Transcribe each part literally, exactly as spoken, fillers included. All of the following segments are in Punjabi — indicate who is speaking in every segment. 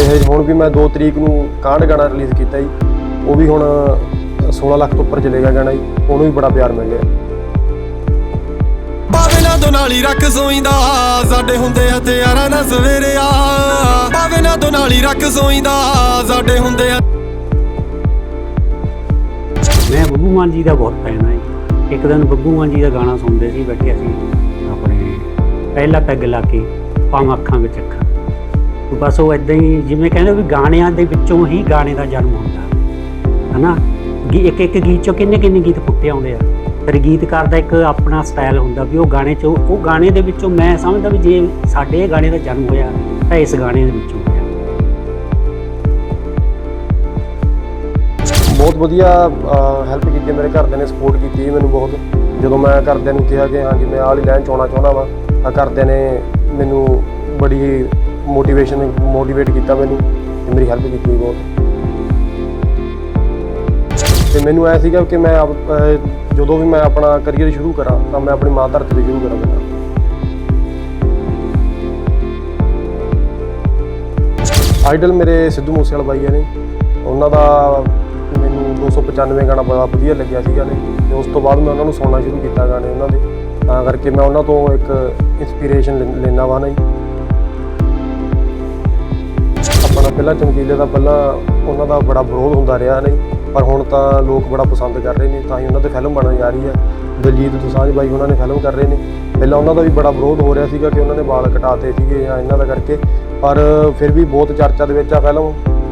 Speaker 1: ਹਜੇ ਹੁਣ ਵੀ ਮੈਂ ਦੋ ਤਰੀਕ ਨੂੰ ਕਾਂਡ ਗਾਣਾ ਰਿਲੀਜ਼ ਕੀਤਾ ਜੀ। ਉਹ ਵੀ ਹੁਣ सोलह ਲੱਖ ਤੋਂ ਉੱਪਰ ਚਲੇਗਾ ਗਾਣਾ ਜੀ। ਉਹਨੂੰ ਵੀ ਬੜਾ ਪਿਆਰ ਮਿਲ ਰਿਹਾ।
Speaker 2: ਪਾਵੇ ਨਾ ਦੋ ਨਾਲੀ ਰੱਖ ਸੋਈਂਦਾ ਸਾਡੇ ਹੁੰਦੇ ਹਥਿਆਰਾਂ ਨਾਲ ਸਵੇਰੇ ਆ। ਪਾਵੇ ਨਾ ਦੋ ਨਾਲੀ ਰੱਖ ਸੋਈਂਦਾ ਸਾਡੇ ਹੁੰਦੇ।
Speaker 3: ਮੈਂ ਬੱਬੂ ਮਾਨ ਜੀ ਦਾ ਬਹੁਤ ਫੈਨ ਹਾਂ ਜੀ। ਇੱਕ ਦਿਨ ਬੱਬੂ ਮਾਨ ਜੀ ਦਾ ਗਾਣਾ ਸੁਣਦੇ ਸੀ, ਬੈਠੇ ਅਸੀਂ ਆਪਣੇ ਪਹਿਲਾ ਪੈਗ ਲਾ ਕੇ ਪਾਵਾਂ ਅੱਖਾਂ ਵਿੱਚ ਅੱਖਾਂ। ਬਸ ਉਹ ਇੱਦਾਂ ਹੀ ਜਿਵੇਂ ਕਹਿੰਦੇ ਵੀ ਗਾਣਿਆਂ ਦੇ ਵਿੱਚੋਂ ਹੀ ਗਾਣੇ ਦਾ ਜਨਮ ਹੁੰਦਾ ਹੈ ਨਾ। ਇੱਕ ਇੱਕ ਗੀਤ 'ਚੋਂ ਕਿੰਨੇ ਕਿੰਨੇ ਗੀਤ ਫੁੱਟੇ ਆਉਂਦੇ ਆ। ਫਿਰ ਗੀਤਕਾਰ ਦਾ ਇੱਕ ਆਪਣਾ ਸਟਾਈਲ ਹੁੰਦਾ ਵੀ ਉਹ ਗਾਣੇ 'ਚੋਂ ਉਹ ਗਾਣੇ ਦੇ ਵਿੱਚੋਂ ਮੈਂ ਸਮਝਦਾ ਵੀ ਜੇ ਸਾਡੇ ਇਹ ਗਾਣੇ ਦਾ ਜਨਮ ਹੋਇਆ ਤਾਂ ਇਸ ਗਾਣੇ ਦੇ ਵਿੱਚੋਂ ਹੋਇਆ।
Speaker 1: ਬਹੁਤ ਵਧੀਆ ਹੈਲਪ ਕੀਤੀ ਮੇਰੇ ਘਰਦਿਆਂ ਨੇ, ਸਪੋਰਟ ਕੀਤੀ ਮੈਨੂੰ ਬਹੁਤ। ਜਦੋਂ ਮੈਂ ਘਰਦਿਆਂ ਨੂੰ ਕਿਹਾ ਕਿ ਹਾਂਜੀ ਮੈਂ ਆਹ ਵਾਲੀ ਲਾਈਨ 'ਚ ਆਉਣਾ ਚਾਹੁੰਦਾ ਵਾਂ ਤਾਂ ਘਰਦਿਆਂ ਨੇ ਮੈਨੂੰ ਬੜੀ ਮੋਟੀਵੇਸ਼ਨ ਮੋਟੀਵੇਟ ਕੀਤਾ ਮੈਨੂੰ ਤੇ ਮੇਰੀ ਹੈਲਪ ਕੀਤੀ ਬਹੁਤ। ਤੇ ਮੈਨੂੰ ਐ ਸੀਗਾ ਕਿ ਮੈਂ ਜਦੋਂ ਵੀ ਮੈਂ ਆਪਣਾ ਕਰੀਅਰ ਸ਼ੁਰੂ ਕਰਾਂ ਤਾਂ ਮੈਂ ਆਪਣੀ ਮਾਂ ਧਰਤੀ ਤੋਂ ਸ਼ੁਰੂ ਕਰਾਂ ਪਹਿਲਾਂ। ਆਈਡਲ ਮੇਰੇ ਸਿੱਧੂ ਮੂਸੇਵਾਲਾ ਬਾਈ ਨੇ, ਉਹਨਾਂ ਦਾ ਮੈਨੂੰ ਦੋ ਸੌ ਪਚਾਨਵੇਂ ਗਾਣਾ ਬੜਾ ਵਧੀਆ ਲੱਗਿਆ ਸੀਗਾ ਨੇ। ਤੇ ਉਸ ਤੋਂ ਬਾਅਦ ਮੈਂ ਉਹਨਾਂ ਨੂੰ ਸੁਣਨਾ ਸ਼ੁਰੂ ਕੀਤਾ ਗਾਣੇ ਉਹਨਾਂ ਦੇ, ਤਾਂ ਕਰਕੇ ਮੈਂ ਉਹਨਾਂ ਤੋਂ ਇੱਕ ਇੰਸਪੀਰੇਸ਼ਨ ਲੈਣਾ ਵਾ ਨਾ ਜੀ। ਆਪਣਾ ਪਹਿਲਾਂ ਚਮਕੀਲੇ ਦਾ ਪਹਿਲਾਂ ਉਹਨਾਂ ਦਾ ਬੜਾ ਵਿਰੋਧ ਹੁੰਦਾ ਰਿਹਾ ਨਹੀਂ, ਪਰ ਹੁਣ ਤਾਂ ਲੋਕ ਬੜਾ ਪਸੰਦ ਕਰ ਰਹੇ ਨੇ, ਤਾਂ ਹੀ ਉਹਨਾਂ ਤੇ ਫਿਲਮ ਬਣਨ ਜਾ ਰਹੀ ਹੈ। ਦਲਜੀਤ ਦੋਸਾਂਝ ਬਾਈ ਉਹਨਾਂ ਨੇ ਫਿਲਮ ਕਰ ਰਹੇ ਨੇ। ਪਹਿਲਾਂ ਉਹਨਾਂ ਦਾ ਵੀ ਬੜਾ ਵਿਰੋਧ ਹੋ ਰਿਹਾ ਸੀਗਾ ਕਿ ਉਹਨਾਂ ਨੇ ਵਾਲ ਕਟਾਤੇ ਸੀਗੇ ਜਾਂ ਇਹਨਾਂ ਦਾ ਕਰਕੇ, ਪਰ ਫਿਰ ਵੀ ਬਹੁਤ ਚਰਚਾ ਦੇ ਵਿੱਚ ਆ ਫਿਲਮ।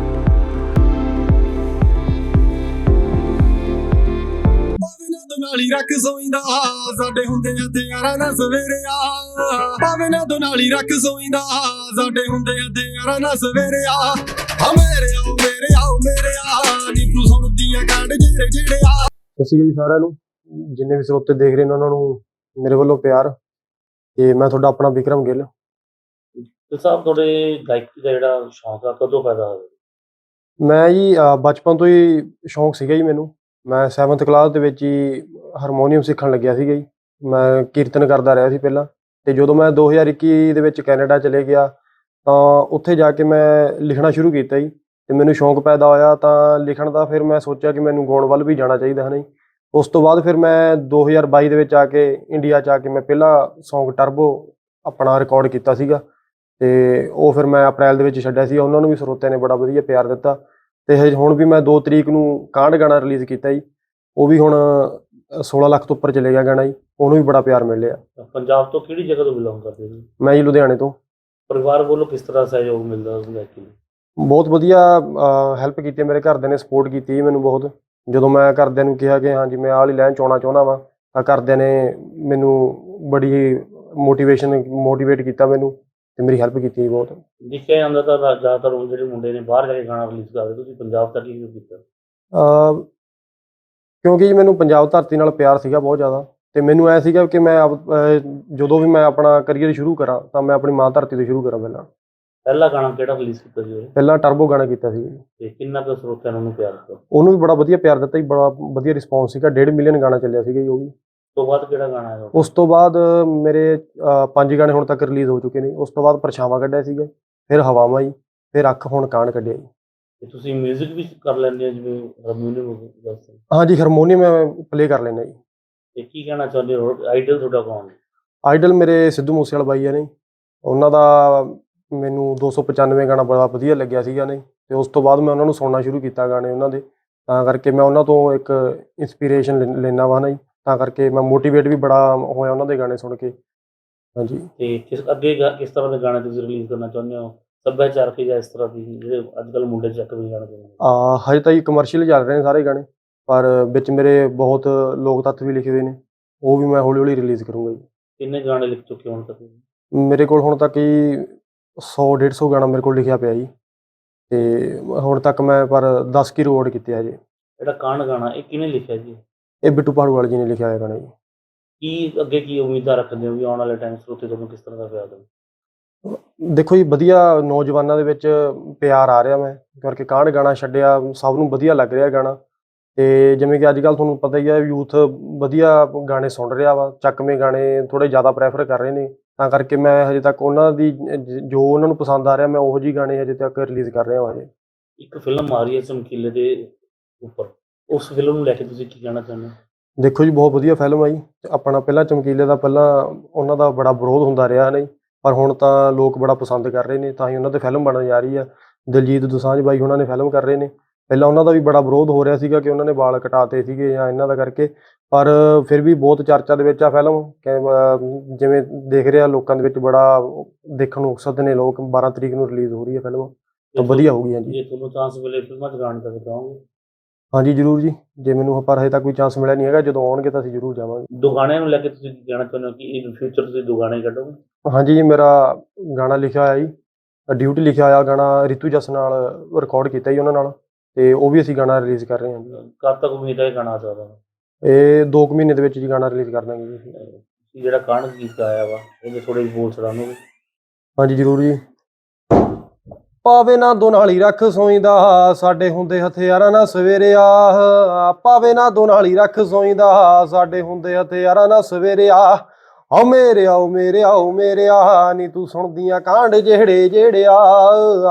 Speaker 2: ਨਾਲੀ ਰੱਖ ਸੋਈਂਦਾ ਸਾਡੇ ਹੁੰਦੇ ਹਥਿਆਰਾਂ ਨਾਲ ਸਵੇਰੇ ਆ। ਪਾਵੇ ਨਾ ਦੋ ਨਾਲੀ ਰੱਖ ਸੋਈਂਦਾ ਸਾਡੇ ਹੁੰਦੇ ਹਥਿਆਰਾਂ ਨਾਲ ਸਵੇਰੇ ਆ। ਆ ਮੇਰੇ ਆਓ ਮੇਰੇ ਆਓ ਮੇਰੇ ਆ ਨੀ ਤੂੰ ਸੁਣਦੀਆਂ ਕਾਂਡ ਜਿਹੜੇ ਜਿਹੜੇ ਆ।
Speaker 1: ਸਤਿ ਸ਼੍ਰੀ ਅਕਾਲ ਜੀ ਸਾਰਿਆਂ ਨੂੰ, ਜਿੰਨੇ ਵੀ ਸਰੋਤੇ ਦੇਖ ਰਹੇ ਨੇ ਉਹਨਾਂ ਨੂੰ ਮੇਰੇ ਵੱਲੋਂ ਪਿਆਰ। ਤੇ ਮੈਂ ਤੁਹਾਡਾ ਆਪਣਾ ਵਿਕਰਮ ਗਿੱਲ।
Speaker 4: ਤੇ ਸਾਹਿਬ ਤੁਹਾਡੇ ਗਾਇਕੀ ਦਾ ਜਿਹੜਾ ਸ਼ੌਂਕ ਆ ਕਦੋਂ ਪੈਦਾ ਹੋਇਆ?
Speaker 1: ਮੈਂ ਜੀ ਬਚਪਨ ਤੋਂ ਹੀ ਸ਼ੌਂਕ ਸੀਗਾ ਜੀ ਮੈਨੂੰ। ਮੈਂ ਸੈਵਨਥ ਕਲਾਸ ਦੇ ਵਿੱਚ ਹੀ ਹਾਰਮੋਨੀਅਮ ਸਿੱਖਣ ਲੱਗਿਆ ਸੀਗਾ ਜੀ। ਮੈਂ ਕੀਰਤਨ ਕਰਦਾ ਰਿਹਾ ਸੀ ਪਹਿਲਾਂ, ਤੇ ਜਦੋਂ ਮੈਂ ਦੋ ਹਜ਼ਾਰ ਇੱਕੀ ਦੇ ਵਿੱਚ ਕੈਨੇਡਾ ਚਲੇ ਗਿਆ ਤਾਂ ਉੱਥੇ ਜਾ ਕੇ ਮੈਂ ਲਿਖਣਾ ਸ਼ੁਰੂ ਕੀਤਾ ਜੀ। ਤੇ ਮੈਨੂੰ ਸ਼ੌਂਕ ਪੈਦਾ ਹੋਇਆ ਤਾਂ ਲਿਖਣ ਦਾ। ਫਿਰ ਮੈਂ ਸੋਚਿਆ ਕਿ ਮੈਨੂੰ ਗਾਉਣ ਵੱਲ ਵੀ ਜਾਣਾ ਚਾਹੀਦਾ ਹੈ ਨਾ ਜੀ। ਉਸ ਤੋਂ ਬਾਅਦ ਫਿਰ ਮੈਂ ਦੋ ਹਜ਼ਾਰ ਬਾਈ ਦੇ ਵਿੱਚ ਆ ਕੇ ਇੰਡੀਆ 'ਚ ਆ ਕੇ ਮੈਂ ਪਹਿਲਾ ਸੌਂਗ ਟਰਬੋ ਆਪਣਾ ਰਿਕਾਰਡ ਕੀਤਾ ਸੀਗਾ। ਤੇ ਉਹ ਫਿਰ ਮੈਂ ਅਪ੍ਰੈਲ ਦੇ ਵਿੱਚ ਛੱਡਿਆ ਸੀ। ਉਹਨਾਂ ਨੂੰ ਵੀ ਸਰੋਤਿਆਂ ਨੇ ਬੜਾ ਵਧੀਆ ਪਿਆਰ ਦਿੱਤਾ। ਤੇ ਹਜੇ ਹੁਣ ਵੀ ਮੈਂ ਦੋ ਤਰੀਕ ਨੂੰ ਕਾਂਡ ਗਾਣਾ ਰਿਲੀਜ਼ ਕੀਤਾ ਜੀ। ਉਹ ਵੀ ਹੁਣ ਸੋਲ੍ਹਾਂ ਲੱਖ ਤੋਂ ਉੱਪਰ ਚਲੇਗਾ ਗਾਣਾ ਜੀ। ਉਹਨੂੰ ਵੀ ਬੜਾ ਪਿਆਰ ਮਿਲ ਰਿਹਾ।
Speaker 4: ਪੰਜਾਬ ਤੋਂ ਕਿਹੜੀ ਜਗ੍ਹਾ ਤੋਂ ਬਿਲੋਂਗ ਕਰਦੇ ਜੀ?
Speaker 1: ਮੈਂ ਜੀ ਲੁਧਿਆਣੇ ਤੋਂ।
Speaker 4: ਪਰਿਵਾਰ ਵੱਲੋਂ ਕਿਸ ਤਰ੍ਹਾਂ ਸਹਿਯੋਗ ਮਿਲਦਾ ਗਾਇਕੀ ਨੂੰ?
Speaker 1: ਬਹੁਤ ਵਧੀਆ ਹੈਲਪ ਕੀਤੀ ਮੇਰੇ ਘਰਦਿਆਂ ਨੇ, ਸਪੋਰਟ ਕੀਤੀ ਮੈਨੂੰ ਬਹੁਤ। ਜਦੋਂ ਮੈਂ ਘਰਦਿਆਂ ਨੂੰ ਕਿਹਾ ਕਿ ਹਾਂਜੀ ਮੈਂ ਆਹ ਵਾਲੀ ਲਾਈਨ 'ਚ ਆਉਣਾ ਚਾਹੁੰਦਾ ਵਾਂ ਤਾਂ ਘਰਦਿਆਂ ਨੇ ਮੈਨੂੰ ਬੜੀ ਮੋਟੀਵੇਸ਼ਨ ਮੋਟੀਵੇਟ ਕੀਤਾ ਮੈਨੂੰ ਤੇ ਮੇਰੀ ਹੈਲਪ ਕੀਤੀ ਬਹੁਤ।
Speaker 4: ਦੇਖਿਆ ਜਾਂਦਾ ਤਾਂ ਜ਼ਿਆਦਾਤਰ ਹੁਣ ਜਿਹੜੇ ਮੁੰਡੇ ਨੇ ਬਾਹਰ ਜਾ ਕੇ ਗਾਣਾ ਰਿਲੀਜ਼ ਕਰਦੇ, ਤੁਸੀਂ ਪੰਜਾਬ ਤੱਕ ਹੀ ਕਿਉਂ ਕੀਤਾ?
Speaker 1: ਕਿਉਂਕਿ ਜੀ ਮੈਨੂੰ ਪੰਜਾਬ ਧਰਤੀ ਨਾਲ ਪਿਆਰ ਸੀਗਾ ਬਹੁਤ ਜ਼ਿਆਦਾ। ਤੇ ਮੈਨੂੰ ਐ ਸੀਗਾ ਕਿ ਮੈਂ ਜਦੋਂ ਵੀ ਮੈਂ ਆਪਣਾ ਕਰੀਅਰ ਸ਼ੁਰੂ ਕਰਾਂ ਤਾਂ ਮੈਂ ਆਪਣੀ ਮਾਂ ਧਰਤੀ ਤੋਂ ਸ਼ੁਰੂ ਕਰਾਂ ਪਹਿਲਾਂ।
Speaker 4: ਪਹਿਲਾ ਗਾਣਾ ਕਿਹੜਾ ਰਿਲੀਜ਼ ਕੀਤਾ ਸੀ?
Speaker 1: ਪਹਿਲਾਂ ਟਰਬੋ ਗਾਣਾ ਕੀਤਾ ਸੀ।
Speaker 4: ਤੇ ਕਿੰਨਾ ਕੁ ਸਰੋਤਿਆਂ ਨੇ ਉਹਨੂੰ ਪਿਆਰ ਦਿੱਤਾ?
Speaker 1: ਉਹਨੂੰ ਵੀ ਬੜਾ ਵਧੀਆ ਪਿਆਰ ਦਿੱਤਾ ਜੀ, ਬੜਾ ਵਧੀਆ ਰਿਸਪੌਂਸ ਸੀਗਾ। ਡੇਢ ਮਿਲੀਅਨ ਗਾਣਾ ਚੱਲਿਆ ਸੀਗਾ ਜੀ ਉਹ ਵੀ।
Speaker 4: ਉਸ ਤੋਂ ਬਾਅਦ ਕਿਹੜਾ ਗਾਣਾ ਆਇਆ?
Speaker 1: ਉਸ ਤੋਂ ਬਾਅਦ ਮੇਰੇ ਪੰਜ ਗਾਣੇ ਹੁਣ ਤੱਕ ਰਿਲੀਜ਼ ਹੋ ਚੁੱਕੇ ਨੇ। ਉਸ ਤੋਂ ਬਾਅਦ ਪਰਛਾਵਾਂ ਕੱਢਿਆ ਸੀਗਾ, ਫਿਰ ਹਵਾਵਾਂ ਜੀ, ਫਿਰ ਅੱਖ, ਹੁਣ ਕਾਂਡ ਕੱਢਿਆ ਜੀ।
Speaker 4: ਤੇ ਤੁਸੀਂ ਮਿਊਜ਼ਿਕ ਵੀ ਕਰ ਲੈਂਦੇ ਹੋ ਜਿਵੇਂ ਹਾਰਮੋਨੀਅਮ?
Speaker 1: ਹਾਂਜੀ, ਹਾਰਮੋਨੀਅਮ ਮੈਂ ਪਲੇ ਕਰ ਲੈਂਦਾ ਜੀ।
Speaker 4: ਤੇ ਕੀ ਕਹਿਣਾ ਚਾਹੁੰਦੇ ਹੋ? ਆਈਡਲ ਤੁਹਾਡਾ ਕੌਣ?
Speaker 1: ਆਈਡਲ ਮੇਰੇ ਸਿੱਧੂ ਮੂਸੇਵਾਲਾ ਬਾਈ ਨੇ। ਉਹਨਾਂ ਦਾ ਮੈਨੂੰ ਦੋ ਸੌ ਪਚਾਨਵੇਂ ਗਾਣਾ ਬੜਾ ਵਧੀਆ ਲੱਗਿਆ ਸੀਗਾ ਨੇ। ਤੇ ਉਸ ਤੋਂ ਬਾਅਦ ਮੈਂ ਉਹਨਾਂ ਨੂੰ ਸੁਣਨਾ ਸ਼ੁਰੂ ਕੀਤਾ ਗਾਣੇ ਉਹਨਾਂ ਦੇ, ਤਾਂ ਕਰਕੇ ਮੈਂ ਉਹਨਾਂ ਤੋਂ ਇੱਕ ਇੰਸਪੀਰੇਸ਼ਨ ਲੈਣਾ ਵਾ ਨਾ ਜੀ। ਤਾਂ ਕਰਕੇ ਮੈਂ ਮੋਟੀਵੇਟ ਵੀ ਬੜਾ ਹੋਇਆ ਉਹਨਾਂ ਦੇ ਗਾਣੇ ਸੁਣ ਕੇ। ਹਾਂਜੀ।
Speaker 4: ਤੇ ਕਿਸ ਅੱਗੇ ਕਿਸ ਤਰ੍ਹਾਂ ਦੇ ਗਾਣੇ ਤੁਸੀਂ ਰਿਲੀਜ਼ ਕਰਨਾ ਚਾਹੁੰਦੇ ਹੋ? ਸੱਭਿਆਚਾਰਕ ਜਾਂ ਇਸ ਤਰ੍ਹਾਂ ਦੀ ਜਿਹੜੇ ਅੱਜ ਕੱਲ੍ਹ ਮੁੰਡੇ ਚੱਕ ਵੀ ਗਾਣੇ ਚਾਹੁੰਦੇ?
Speaker 1: ਹਜੇ ਤਾਂ ਜੀ ਕਮਰਸ਼ੀਅਲ ਚੱਲ ਰਹੇ ਨੇ ਸਾਰੇ ਗਾਣੇ, ਪਰ ਵਿੱਚ ਮੇਰੇ ਬਹੁਤ ਲੋਕ ਤੱਤ ਵੀ ਲਿਖੇ ਹੋਏ ਨੇ। ਉਹ ਵੀ ਮੈਂ ਹੌਲੀ ਹੌਲੀ ਰਿਲੀਜ਼ ਕਰੂੰਗਾ ਜੀ।
Speaker 4: ਕਿੰਨੇ ਗਾਣੇ ਲਿਖ ਚੁੱਕੇ ਹੁਣ ਤੱਕ? ਮੇਰੇ
Speaker 1: ਕੋਲ ਹੁਣ ਤੱਕ ਹੀ ਸੌ ਡੇਢ ਸੌ ਗਾਣਾ ਮੇਰੇ ਕੋਲ ਲਿਖਿਆ ਪਿਆ ਜੀ। ਤੇ ਹੁਣ ਤੱਕ ਮੈਂ ਪਰ ਦਸ ਕੀ ਰਿਕਾਰਡ ਕੀਤੇ ਆ ਜੀ।
Speaker 4: ਜਿਹੜਾ ਕਾਂਡ ਗਾਣਾ ਇਹ ਕਿਹਨੇ ਲਿਖਿਆ ਜੀ?
Speaker 1: ਇਹ ਬਿੱਟੂ ਭਾੜੂਵਾਲ ਜੀ ਨੇ ਲਿਖਿਆ ਹੋਇਆ ਗਾਣਾ ਜੀ।
Speaker 4: ਕੀ ਅੱਗੇ ਕੀ ਉਮੀਦਾਂ ਰੱਖਦੇ ਹੋ ਵੀ ਆਉਣ ਵਾਲੇ ਟਾਈਮ ਸਰੋਤੇ ਤੁਹਾਨੂੰ ਕਿਸ ਤਰ੍ਹਾਂ ਦਾ ਪਿਆਰ ਦੇਣ?
Speaker 1: ਦੇਖੋ ਜੀ, ਵਧੀਆ ਨੌਜਵਾਨਾਂ ਦੇ ਵਿੱਚ ਪਿਆਰ ਆ ਰਿਹਾ। ਮੈਂ ਕਰਕੇ ਕਾਂਡ ਗਾਣਾ ਛੱਡਿਆ, ਸਭ ਨੂੰ ਵਧੀਆ ਲੱਗ ਰਿਹਾ ਗਾਣਾ। ਤੇ ਜਿਵੇਂ ਕਿ ਅੱਜ ਕੱਲ੍ਹ ਤੁਹਾਨੂੰ ਪਤਾ ਹੀ ਹੈ, ਯੂਥ ਵਧੀਆ ਗਾਣੇ ਸੁਣ ਰਿਹਾ ਵਾ, ਚੱਕਵੇਂ ਗਾਣੇ ਥੋੜ੍ਹੇ ਜ਼ਿਆਦਾ ਪ੍ਰੈਫਰ ਕਰ ਰਹੇ ਨੇ। ਤਾਂ ਕਰਕੇ ਮੈਂ ਹਜੇ ਤੱਕ ਉਹਨਾਂ ਦੀ ਜ- ਜੋ ਉਹਨਾਂ ਨੂੰ ਪਸੰਦ ਆ ਰਿਹਾ ਮੈਂ ਉਹੋ ਜਿਹੀ ਗਾਣੇ ਹਜੇ ਤੱਕ ਰਿਲੀਜ਼ ਕਰ ਰਿਹਾ ਹਾਂ ਹਜੇ।
Speaker 4: ਇੱਕ ਫਿਲਮ ਆ ਰਹੀ ਹੈ ਚਮਕੀਲੇ ਦੇ ਉੱਪਰ, ਉਸ ਫਿਲਮ ਨੂੰ ਲੈ ਕੇ ਤੁਸੀਂ ਕੀ ਕਹਿਣਾ ਚਾਹੁੰਦੇ ਹੋ?
Speaker 1: ਦੇਖੋ ਜੀ ਬਹੁਤ ਵਧੀਆ ਫਿਲਮ ਆ ਜੀ। ਆਪਣਾ ਪਹਿਲਾਂ ਚਮਕੀਲੇ ਦਾ ਪਹਿਲਾਂ ਉਹਨਾਂ ਦਾ ਬੜਾ ਵਿਰੋਧ ਹੁੰਦਾ ਰਿਹਾ ਨਹੀਂ, ਪਰ ਹੁਣ ਤਾਂ ਲੋਕ ਬੜਾ ਪਸੰਦ ਕਰ ਰਹੇ ਨੇ, ਤਾਂ ਹੀ ਉਹਨਾਂ 'ਤੇ ਫਿਲਮ ਬਣਨ ਜਾ ਰਹੀ ਆ। ਦਿਲਜੀਤ ਦੋਸਾਂਝ ਬਾਈ ਉਹਨਾਂ ਨੇ ਫਿਲਮ ਕਰ ਰਹੇ ਨੇ। ਪਹਿਲਾਂ ਉਹਨਾਂ ਦਾ ਵੀ ਬੜਾ ਵਿਰੋਧ ਹੋ ਰਿਹਾ ਸੀਗਾ ਕਿ ਉਹਨਾਂ ਨੇ ਵਾਲ ਕਟਾਤੇ ਸੀਗੇ ਜਾਂ ਇਹਨਾਂ ਦਾ ਕਰਕੇ, ਪਰ ਫਿਰ ਵੀ ਬਹੁਤ ਚਰਚਾ ਦੇ ਵਿੱਚ ਆ ਫਿਲਮ ਕਿ ਅ, ਜਿਵੇਂ ਦੇਖ ਰਿਹਾ ਲੋਕਾਂ ਦੇ ਵਿੱਚ ਬੜਾ ਦੇਖਣ ਨੂੰ ਉਕਸਤ ਨੇ ਲੋਕ। ਬਾਰਾਂ ਤਰੀਕ ਨੂੰ ਰਿਲੀਜ਼ ਹੋ ਰਹੀ ਹੈ ਫਿਲਮ, ਤਾਂ ਵਧੀਆ ਹੋਊਗੀ। ਹਾਂਜੀ
Speaker 4: ਜੇ ਤੁਹਾਨੂੰ ਚਾਂਸ ਮਿਲੇ ਫਿਲਮਾਂ 'ਚ ਗਾਣ ਤੱਕ ਚਾਹੋਗੇ?
Speaker 1: ਹਾਂਜੀ ਜ਼ਰੂਰ ਜੀ, ਜੇ ਮੈਨੂੰ ਪਰ ਹਜੇ ਤੱਕ ਕੋਈ ਚਾਂਸ ਮਿਲਿਆ ਨਹੀਂ ਹੈਗਾ, ਜਦੋਂ ਆਉਣਗੇ ਤਾਂ ਅਸੀਂ ਜ਼ਰੂਰ ਜਾਵਾਂਗੇ।
Speaker 4: ਦੋ ਗਾਣਿਆਂ ਨੂੰ ਲੈ ਕੇ ਤੁਸੀਂ ਕੀ ਕਹਿਣਾ ਚਾਹੁੰਦੇ ਹੋ ਕਿ ਇਨ ਫਿਊਚਰ ਤੁਸੀਂ ਦੋ ਗਾਣੇ ਕੱਢੋਗੇ?
Speaker 1: ਹਾਂਜੀ ਜੀ, ਮੇਰਾ ਗਾਣਾ ਲਿਖਿਆ ਹੋਇਆ ਜੀ, ਡਿਊਟੀ ਲਿਖਿਆ ਹੋਇਆ ਗਾਣਾ ਰਿਤੂ ਜੱਸ ਨਾਲ ਰਿਕਾਰਡ ਕੀਤਾ ਜੀ ਉਹਨਾਂ ਨਾਲ, ਤੇ ਉਹ ਵੀ ਅਸੀਂ ਗਾਣਾ ਰਿਲੀਜ਼ ਕਰ ਰਹੇ ਹਾਂ ਜੀ।
Speaker 4: ਕਦ ਤੱਕ ਉਮੀਦ ਹੈ ਇਹ ਗਾਣਾ ਆ ਸਕਦਾ?
Speaker 1: ਇਹ ਦੋ ਕੁ ਮਹੀਨੇ ਦੇ ਵਿੱਚ ਜੀ ਗਾਣਾ ਰਿਲੀਜ਼ ਕਰ ਦਾਂਗੇ ਜੀ ਅਸੀਂ।
Speaker 4: ਤੁਸੀਂ ਜਿਹੜਾ ਕਾਂਡ ਗੀਤ ਗਾਇਆ ਵਾ ਉਹਦੇ ਥੋੜੇ ਬੋਲ ਸੁਣਾਓਗੇ?
Speaker 1: ਹਾਂਜੀ ਜ਼ਰੂਰ ਜੀ। ਪਾਵੇ ਨਾ ਦੋ ਨਾਲੀ ਰੱਖ ਸੋਈਂਦਾ, ਸਾਡੇ ਹੁੰਦੇ ਹਥਿਆਰਾਂ ਨਾਲ ਸਵੇਰਿਆ। ਪਾਵੇ ਨਾ ਦੋ ਨਾਲੀ ਰੱਖ ਸੋਈਂਦਾ, ਸਾਡੇ ਹੁੰਦੇ ਹਥਿਆਰਾਂ ਨਾਲ ਸਵੇਰਿਆ। ਆਓ ਮੇਰੇ ਆਓ ਮੇਰੇ ਆਓ ਮੇਰੇ ਆ, ਨੀ ਤੂੰ ਸੁਣਦੀਆਂ ਕਾਂਡ ਜਿਹੜੇ ਜਿਹੜੇ ਆ।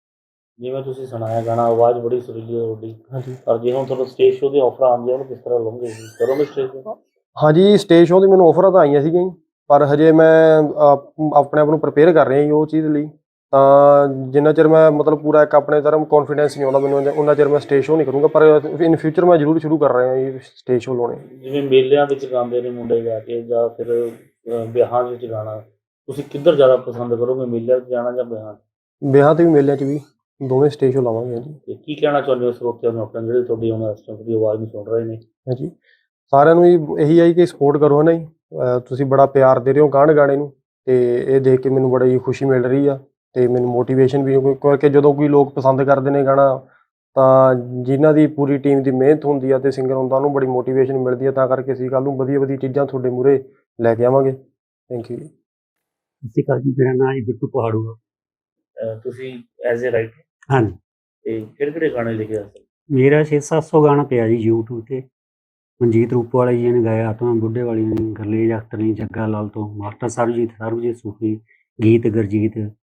Speaker 4: ਜਿਵੇਂ ਤੁਸੀਂ ਸੁਣਾਇਆ ਗਾਣਾ, ਆਵਾਜ਼ ਬੜੀ ਸੁਰੀਲੀ ਹੈ ਤੁਹਾਡੀ,
Speaker 1: ਹਾਂਜੀ
Speaker 4: ਪਰ ਜੇ ਹੁਣ ਤੁਹਾਨੂੰ ਸਟੇਜ ਸ਼ੋਅ ਦੀ ਆਫਰ ਆਉਂਦੀ ਹੈ ਉਹਨੂੰ ਕਿਸ ਤਰ੍ਹਾਂ ਲਓਗੇ? ਕਰੋਗੇ ਸਟੇਜ ਸ਼ੋਅ?
Speaker 1: ਹਾਂਜੀ ਸਟੇਜ ਸ਼ੋਅ ਦੀ ਮੈਨੂੰ ਆਫਰਾਂ ਤਾਂ ਆਈਆਂ ਸੀਗੀਆਂ ਜੀ, ਪਰ ਹਜੇ ਮੈਂ ਅ, ਆਪਣੇ ਆਪ ਨੂੰ ਪ੍ਰਪੇਅਰ ਕਰ ਰਿਹਾ ਜੀ ਉਹ ਚੀਜ਼ ਲਈ। ਤਾਂ ਜਿੰਨਾ ਚਿਰ ਮੈਂ ਮਤਲਬ ਪੂਰਾ ਇੱਕ ਆਪਣੇ ਤਰ੍ਹਾਂ ਕੌਨਫੀਡੈਂਸ ਨਹੀਂ ਆਉਂਦਾ ਮੈਨੂੰ, ਉਹਨਾਂ ਚਿਰ ਮੈਂ ਸਟੇਜ ਸ਼ੋਅ ਨਹੀਂ ਕਰੂੰਗਾ, ਪਰ ਇਨ ਫਿਊਚਰ ਮੈਂ ਜ਼ਰੂਰ ਸ਼ੁਰੂ ਕਰ ਰਿਹਾ ਜੀ ਸਟੇਜ ਸ਼ੋਅ ਲਾਉਣੇ।
Speaker 4: ਜਿਵੇਂ ਮੇਲਿਆਂ ਵਿੱਚ ਗਾਉਂਦੇ ਨੇ ਮੁੰਡੇ ਜਾ ਕੇ, ਜਾਂ ਫਿਰ ਅਹ, ਵਿਆਹਾਂ ਵਿੱਚ ਗਾਣਾ, ਤੁਸੀਂ ਕਿੱਧਰ ਜ਼ਿਆਦਾ ਪਸੰਦ ਕਰੋਗੇ, ਮੇਲਿਆਂ 'ਚ ਜਾਣਾ ਜਾਂ ਵਿਆਹਾਂ 'ਚ?
Speaker 1: ਵਿਆਹਾਂ ਤੇ ਵੀ ਮੇਲਿਆਂ 'ਚ ਵੀ ਦੋਵੇਂ ਸਟੇਜ ਸ਼ੋਅ ਲਾਵਾਂਗੇ ਹਾਂਜੀ।
Speaker 4: ਤੇ ਕੀ ਕਹਿਣਾ ਚਾਹੁੰਦੇ ਹੋ ਸਰੋਤਿਆਂ ਨੂੰ ਆਪਣੇ, ਜਿਹੜੇ ਤੁਹਾਡੀ ਹੁਣ ਇਸ ਟਾਈਮ ਦੀ ਆਵਾਜ਼ ਨੂੰ ਸੁਣ ਰਹੇ ਨੇ?
Speaker 1: ਹਾਂਜੀ ਸਾਰਿਆਂ ਨੂੰ ਜੀ ਇਹੀ ਹੈ ਜੀ ਕਿ ਸਪੋਰਟ ਕਰੋ ਹੈ ਨਾ ਜੀ। ਅ, ਤੁਸੀਂ ਬੜਾ ਪਿਆਰ ਦੇ ਰਹੇ ਹੋ ਗਾਣ ਗਾਣੇ ਨੂੰ, ਤੇ ਇਹ ਦੇਖ ਕੇ ਮੈਨੂੰ ਬੜੀ ਖੁਸ਼ੀ ਮਿਲ ਰਹੀ ਆ, ਤੇ ਮੈਨੂੰ ਮੋਟੀਵੇਸ਼ਨ ਵੀ ਕਿਉਂ- ਕਿਉਂਕਿ ਜਦੋਂ ਕੋਈ ਲੋਕ ਪਸੰਦ ਕਰਦੇ ਨੇ ਗਾਣਾ, ਤਾਂ ਜਿਨ੍ਹਾਂ ਦੀ ਪੂਰੀ ਟੀਮ ਦੀ ਮਿਹਨਤ ਹੁੰਦੀ ਆ ਤੇ ਸਿੰਗਰ ਹੁੰਦਾ ਉਹਨੂੰ ਬੜੀ ਮੋਟੀਵੇਸ਼ਨ ਮਿਲਦੀ ਆ। ਤਾਂ ਕਰਕੇ ਅਸੀਂ ਕੱਲ੍ਹ ਨੂੰ ਵਧੀਆ ਵਧੀਆ ਚੀਜ਼ਾਂ ਤੁਹਾਡੇ ਮੂਹਰੇ ਲੈ ਕੇ ਆਵਾਂਗੇ। ਥੈਂਕ ਯੂ ਜੀ।
Speaker 3: ਸਤਿ ਸ਼੍ਰੀ ਅਕਾਲ ਜੀ, ਮੇਰਾ ਨਾਮ ਹੈ ਬਿੱਟੂ ਪਹਾੜੂ ਆ।
Speaker 4: ਅਹ, ਤੁਸੀਂ ਐਜ਼ ਏ ਰਾਈਟਰ
Speaker 3: ਹਾਂਜੀ,
Speaker 4: ਤੇ ਕਿਹੜੇ ਕਿਹੜੇ ਗਾਣੇ ਲਿਖੇ ਆ?
Speaker 3: ਮੇਰਾ ਛੇ ਸੱਤ ਸੌ ਗਾਣਾ ਪਿਆ ਜੀ ਯੂਟਿਊਬ 'ਤੇ। ਮਨਜੀਤ ਰੂਪਵਾਲਾ ਜੀ ਨੇ ਗਾਇਆ, ਆਤਮਾ ਬੁੱਢੇ ਵਾਲੀ ਨੇ, ਗੁਰਲੇਜ ਅਖਤਰ ਨੇ, ਜੱਗਾ ਲਾਲ ਤੋਂ, ਮਾਸਟਰ ਸਰਬਜੀਤ ਸਰਬਜੀਤ ਸੂਫੀ, ਗੀਤ ਗੁਰਜੀਤ,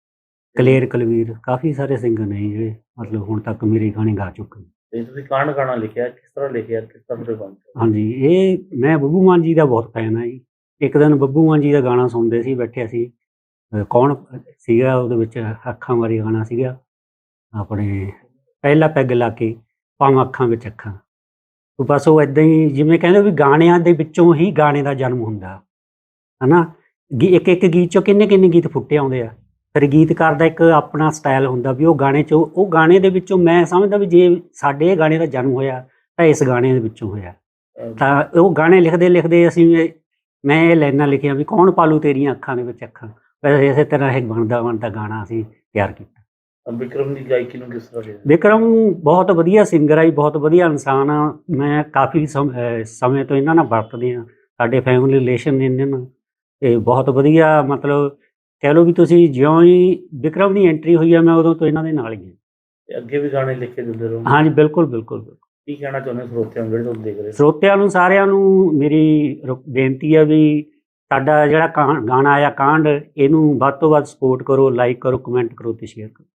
Speaker 3: ਕਲੇਰ ਕਲਵੀਰ, ਕਾਫੀ ਸਾਰੇ ਸਿੰਗਰ ਨੇ ਜੀ ਜਿਹੜੇ ਮਤਲਬ ਹੁਣ ਤੱਕ ਮੇਰੇ ਗਾਣੇ ਗਾ ਚੁੱਕੇ ਨੇ।
Speaker 4: ਤੇ ਤੁਸੀਂ ਕਾਂਡ ਗਾਣਾ ਲਿਖਿਆ, ਕਿਸ ਤਰ੍ਹਾਂ ਲਿਖਿਆ, ਕਿਸ ਤਰ੍ਹਾਂ ਦੇ ਬਣ?
Speaker 3: ਹਾਂਜੀ, ਇਹ ਮੈਂ ਬੱਬੂ ਮਾਨ ਜੀ ਦਾ ਬਹੁਤ ਫੈਨ ਹਾਂ ਜੀ। ਇੱਕ ਦਿਨ ਬੱਬੂ ਮਾਨ ਜੀ ਦਾ ਗਾਣਾ ਸੁਣਦੇ ਸੀ ਬੈਠੇ ਅਸੀਂ, ਅ, ਕੌਣ ਸੀਗਾ ਉਹਦੇ ਵਿੱਚ, ਅੱਖਾਂ ਬਾਰੇ ਗਾਣਾ ਸੀਗਾ ਆਪਣੇ, ਪਹਿਲਾ ਪੈਗ ਲਾ ਕੇ ਪਾਵਾਂ ਅੱਖਾਂ ਵਿੱਚ ਅੱਖਾਂ। ਤੇ ਬਸ ਉਹ ਇੱਦਾਂ ਹੀ ਜਿਵੇਂ ਕਹਿੰਦੇ ਵੀ ਗਾਣਿਆਂ ਦੇ ਵਿੱਚੋਂ ਹੀ ਗਾਣੇ ਦਾ ਜਨਮ ਹੁੰਦਾ ਹੈ ਨਾ। ਗੀ ਇੱਕ ਇੱਕ ਗੀਤ 'ਚੋਂ ਕਿੰਨੇ ਕਿੰਨੇ ਗੀਤ ਫੁੱਟੇ ਆਉਂਦੇ ਆ। ਫਿਰ ਗੀਤਕਾਰ ਦਾ ਇੱਕ ਆਪਣਾ ਸਟਾਈਲ ਹੁੰਦਾ ਵੀ ਉਹ ਗਾਣੇ 'ਚੋਂ, ਉਹ ਗਾਣੇ ਦੇ ਵਿੱਚੋਂ ਮੈਂ ਸਮਝਦਾ ਵੀ ਜੇ ਸਾਡੇ ਇਹ ਗਾਣੇ ਦਾ ਜਨਮ ਹੋਇਆ ਤਾਂ ਇਸ ਗਾਣੇ ਦੇ ਵਿੱਚੋਂ ਹੋਇਆ।
Speaker 4: ਅਹ, ਤਾਂ
Speaker 3: ਤਾਂ ਉਹ ਗਾਣੇ ਲਿਖਦੇ ਲਿਖਦੇ ਅਸੀਂ ਇਹ- ਮੈਂ ਇਹ ਲਾਈਨਾਂ ਲਿਖੀਆਂ ਵੀ ਕੌਣ ਪਾਲੂ ਤੇਰੀਆਂ ਅੱਖਾਂ ਦੇ ਵਿੱਚ ਅੱਖਾਂ। ਵੈਸੇ ਇਸੇ ਤਰ੍ਹਾਂ ਇਹ ਬਣਦਾ ਬਣਦਾ ਗਾਣਾ ਅਸੀਂ ਤਿਆਰ ਕੀਤਾ।
Speaker 4: ਵਿਕਰਮ ਦੀ ਗਾਇਕੀ ਨੂੰ ਕਿਸ ਤਰ੍ਹਾਂ ਲਿਆ?
Speaker 3: ਵਿਕਰਮ ਬਹੁਤ ਵਧੀਆ ਸਿੰਗਰ ਆ ਜੀ, ਬਹੁਤ ਵਧੀਆ ਇਨਸਾਨ ਆ। ਮੈਂ ਕਾਫੀ ਸਮ ਅਹ ਸਮੇਂ ਤੋਂ ਇਹਨਾਂ ਨਾਲ ਵਰਤਦੇ ਹਾਂ, ਸਾਡੇ ਫੈਮਿਲੀ ਰਿਲੇਸ਼ਨ ਨੇ ਇਹਨਾਂ ਨਾਲ, ਅਤੇ ਬਹੁਤ ਵਧੀਆ ਮਤਲਬ ਕਹਿ ਲਓ ਵੀ ਤੁਸੀਂ ਜਿਉਂ ਹੀ ਵਿਕਰਮ ਦੀ ਐਂਟਰੀ ਹੋਈ ਆ ਮੈਂ ਉਦੋਂ ਤੋਂ ਇਹਨਾਂ ਦੇ ਨਾਲ ਹੀ ਹਾਂ।
Speaker 4: ਤੇ ਅੱਗੇ ਵੀ ਗਾਣੇ ਲਿਖ ਕੇ ਦਿੰਦੇ ਰਹੋ?
Speaker 3: ਹਾਂਜੀ ਬਿਲਕੁਲ ਬਿਲਕੁਲ ਬਿਲਕੁਲ।
Speaker 4: ਕੀ ਕਹਿਣਾ ਚਾਹੁੰਦੇ ਹੋ ਸਰੋਤਿਆਂ ਨੂੰ ਜਿਹੜੇ ਤੁਹਾਨੂੰ ਦੇਖ ਰਹੇ ਨੇ?
Speaker 3: ਸਰੋਤਿਆਂ ਨੂੰ ਸਾਰਿਆਂ ਨੂੰ ਮੇਰੀ ਰ- ਬੇਨਤੀ ਹੈ ਵੀ ਸਾਡਾ ਜਿਹੜਾ ਕਾਂ ਗਾਣਾ ਆਇਆ ਕਾਂਡ, ਇਹਨੂੰ ਵੱਧ ਤੋਂ ਵੱਧ ਸਪੋਰਟ ਕਰੋ, ਲਾਈਕ ਕਰੋ, ਕਮੈਂਟ ਕਰੋ ਅਤੇ ਸ਼ੇਅਰ ਕਰੋ।